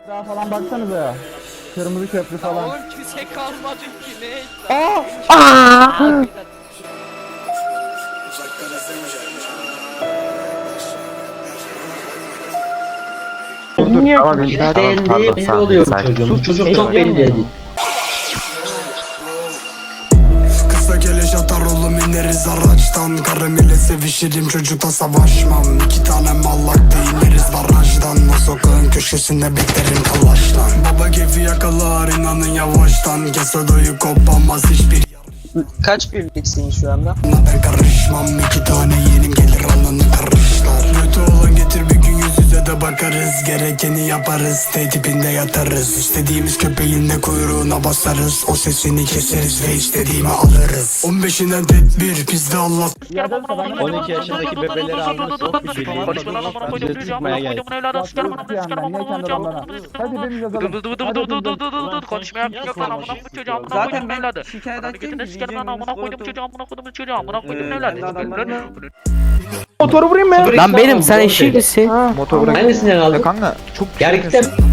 Daha falan baksanıza ya. Kırmızı köprü falan. Oğlum kimse kalmadı ki ne? Niye? Tamam, Belli belli oluyor bu çocuğun. Bu çocuk çok belli değil. Kısa geliş atar oğlum ineriz araçtan. Karım ile sevişirim çocukla savaşmam. İki tane mallakta ineriz barajdan. O sokağın köşesinde beklerim kalaştan. Baba keyfi yakalar inanın yavaştan. Kesodoyu kopamaz hiçbir Kaç birliksin şu anda? yana ben karışmam. İki tane yeğenim gelir alnını karışlar. Kötü olan getir bir gün yüz yüze de bakarız. Gerekeni yaparız T-tipinde yatarız. İstediğimiz köpeğin de kuyruğuna basarız. O sesini keseriz ve istediğimi alırız. 15'inden tedbir bizde Allah. 12 yaşındaki bebeleri almış sok bir birliği. Bize tutmaya geldi. Hadi birimiz yazalım. Konuşmaya yok lan amına koydum çocuğu amına koydum evladı. Şikayet edeceğim Götüne sikerim lan amına koydum çocuğu amına koydum çocuğu amına koydum evladı. Motoru vurayım mı? Lan benim sen eşek misin? Motor bırak. Hangisinden aldın? Kanka çok Gerçekten